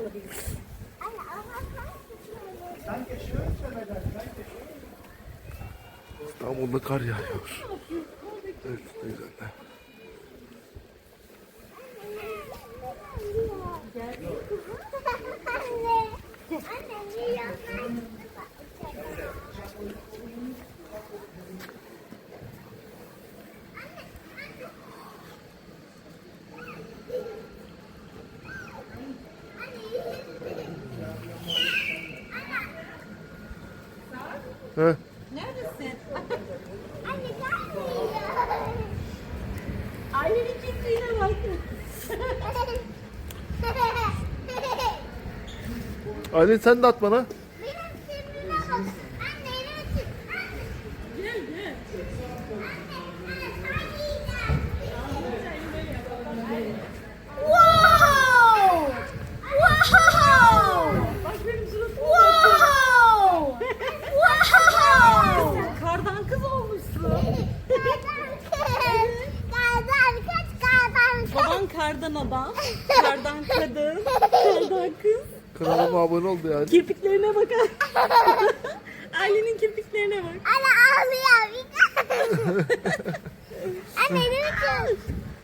İstanbul'da kar yağıyor. Evet, ne güzel. He? Neredesin? Anne gelmiyor. Ailenin kimliğine bak. Aylin sen de at bana. Benim kimliğime bak. Anne elimi tut. Gel gel. Wow! Wow! Bak benim suratıma Wow! Wow! Sen kardan kız olmuşsun. Kardan kaç kardan kaç. Baban kardan adam, kardan kadın, kardan kız. Kanalıma abone oldu yani. Kirpiklerine bakar. Ailenin kirpiklerine bak. Anne ağlıyor. Anne elimi tut.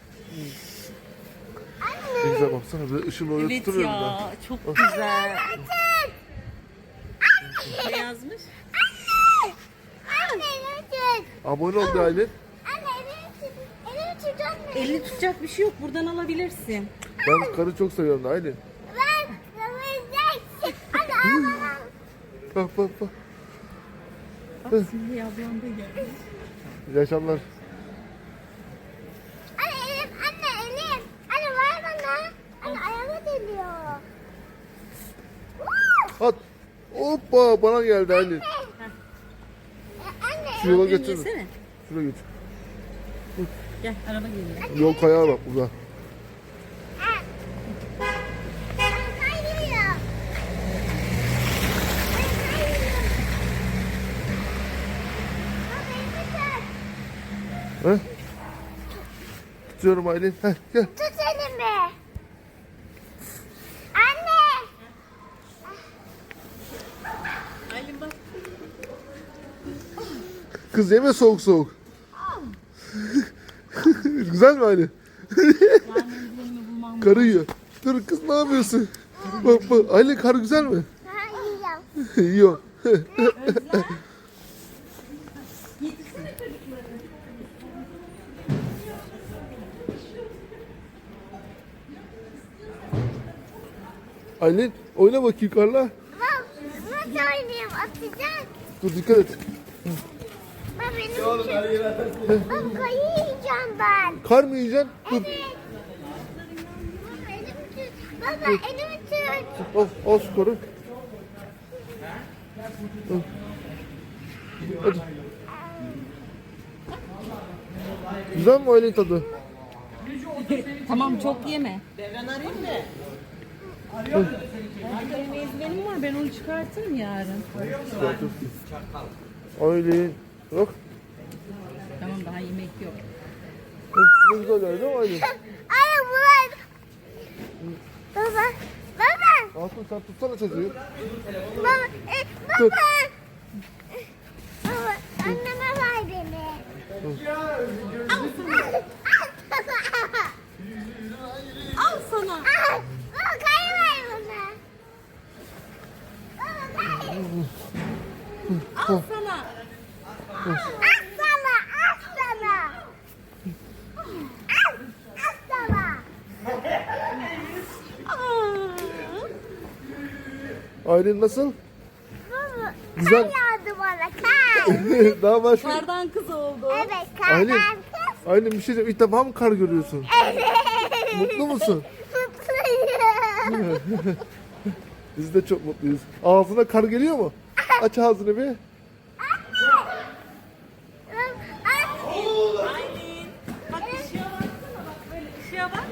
Ne güzel baksana, böyle ışın oraya Evet tutuyorum ben. ya, çok güzel. Tut. Ne yazmış? Anne elimi tut. Abone oldu Aylin. Anne elimi tut. Elimi tut anne. Elini tutacak bir şey yok, buradan alabilirsin. Ben karı çok seviyorum da Aylin. Ben kıvırcak. Anne ağlamam. Bak bak bak. Bak Simge ablam da gelmiş. İyi akşamlar. Anne elim. Anne elim. Anne ver bana. Anne ayağıma geliyor. At. Hoppa, bana geldi Aylin. Anne. Şu yola Aferin, götür. yesene. Şuraya götür. Gel, araba geliyor. Yol kayağı bak burada. Kayıyor. He? Tutuyorum Aylin. Heh, gel. Tut elimi. Anne. Aylin bak. Kız yeme soğuk soğuk. Güzel mi Aylin? Vermediğimi bulmam. Karı yiyor. Dur kız, ne yapıyorsun? Bak bak. Aylin, kar güzel mi? Kayıyor. Yiyor. Aylin, oyna bakayım karla. Bak nasıl oynayayım atacak. Dur dikkat et. Bak benim için. Bak kayıyacağım ben. Kar mı yiyeceksin? Dur. Evet. Baba elimi tut. Baba elimi tut. Al şu karı. Al. Hadi. Güzel mi Aylin tadı? Tamam, çok yeme. Ben arayayım mı? Benim ezberim var, ben onu çıkartırım yarın. Aylin. Bak. Tamam, daha yemek yok. Ne güzel yani, değil mi Aylin? Anne bulan. Baba. Baba. Aslı sen tutsana çocuğu. Baba. Tut. Baba. Baba. Anneme ver beni. Al sana. Baba kayıver bana. Baba kayıver. Al sana. At sana. At sana. At sana. Aylin nasıl? Baba. Güzel. Kar yağdı bana. Kar. Daha başka. Kardan kız oldu. Evet kar. Aylin. kız. Aylin, bir şey diyeceğim. İlk defa mı kar görüyorsun? Evet. Mutlu musun? Mutluyum. Biz de çok mutluyuz. Ağzına kar geliyor mu? Aç ağzını bir. Aylin. Bak ışığa baksana, bak böyle ışığa bak.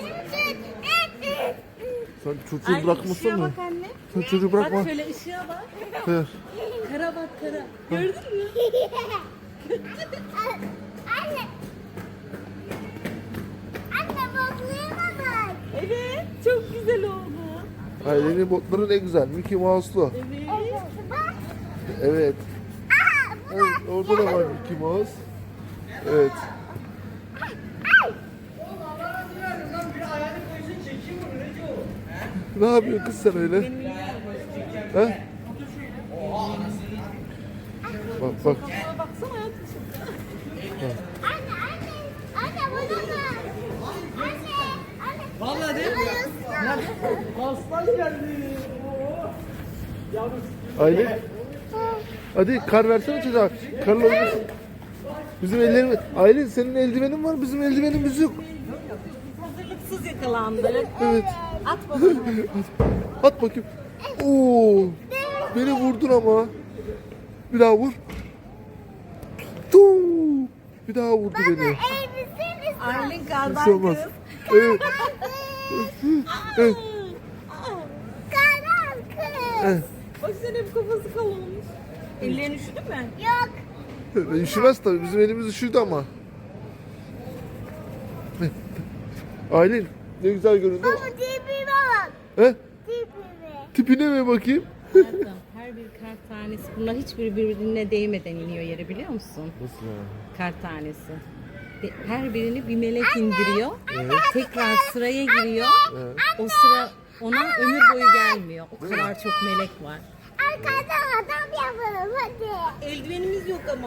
Sen çocuğu Aylin, bırakmasın ışığa mı? bak anne. Sen çocuğu bırakma. Bak şöyle ışığa bak. Hayır. Kara bak kara. Gördün mü? Anne. Anne bablığıma bak. Evet. Çok güzel oldu. Ailenin botları ne güzel. Mickey Mouse'lu. Evet. Bak. Evet. Evet, orada da var Mickey Mouse. Evet. Ne yapıyorsun kız sen öyle? Ha? Bak bak. Aa, baksana hayatım. Anne anne. Anne bunu bak. Anne. Anne. Vallahi değil mi? Aslan geldi. Aylin. Hadi kar versene çocuğa. Karla oynasın. Bizim ellerimiz. Aylin senin eldivenin var, bizim eldivenimiz yok. Hazırlıksız yakalandık. Evet. At babana. At bakayım. Oo. Beni vurdun ama. Bir daha vur. Tuu. Bir daha vurdu beni. Elbiseniz. Aylin Bir kardan şey olmaz. kız. Evet. Evet. Karan kız. Evet. Bak senin hep kafası kalınmış. Ellerin üşüdü mü? Yok. Üşümez tabii. Bizim elimiz üşüdü ama. Aylin ne güzel göründü. Ama tipime bak. He? Tipime. Tipine mi bakayım? Hayatım, her bir kar tanesi, bunlar hiçbiri birbirine değmeden iniyor yere, biliyor musun? Nasıl yani? Kar tanesi. Her birini bir melek indiriyor. Tekrar sıraya giriyor. Evet. O sıra ona ömür boyu gelmiyor. O kadar çok melek var. Arkadan adam yapalım hadi. Eldivenimiz yok ama.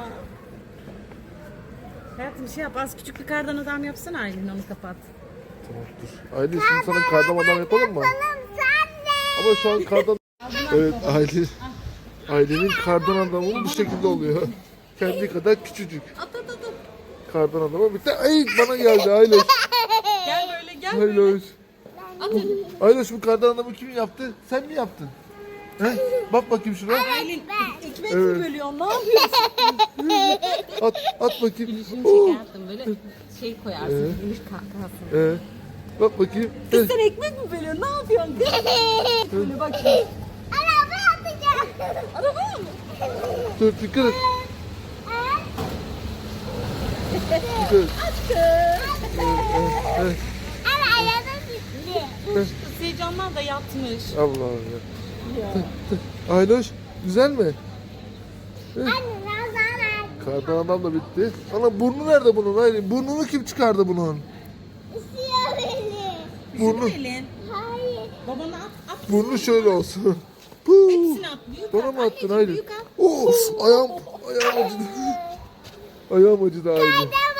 Hayatım şey yap, az küçük bir kardan adam yapsana Aylin, onu kapat. Tamam dur. Aylin şimdi sana kardan adam yapalım mı? Yapalım sen de. Ama şu an kardan... Evet Aylin. Aylin'in kardan adamı bu şekilde oluyor. Kendi kadar küçücük. At at at at. Kardan adamı bir de ay bana geldi Ayloş. Gel böyle gel böyle. Ayloş. At hadi. Ayloş bu kardan adamı kim yaptı? Sen mi yaptın? He? Bak bakayım şuna. Aylin ekmek Evet. mi bölüyorsun, ne yapıyorsun? At bakayım. Şimdi Oo. şey yaptım, böyle şey koyarsın, gümüş kahkahasın. Bak bakayım. Kız sen ekmek mi bölüyorsun, ne yapıyorsun kız? Böyle bak şimdi. Araba atacağım. Araba mı? Dur dikkat et. Dikkat et. Aşkım. Ama araba bitti. Kız heyecandan da yatmış. Allah'ım ya. Ya. Ayloş güzel mi? Anne nazar. Kardan adam da bitti. Ana burnu nerede bunun Aylin? Burnunu kim çıkardı bunun? Isıyor beni. Burnu, Elin. Hayır. Babana at. burnu şöyle olsun. Puh. Hepsini at. Büyük Bana at. mı attın Anneciğim, Aylin? büyük at. Of ayağım acıdı. Ayağım acıdı Aylin. Neden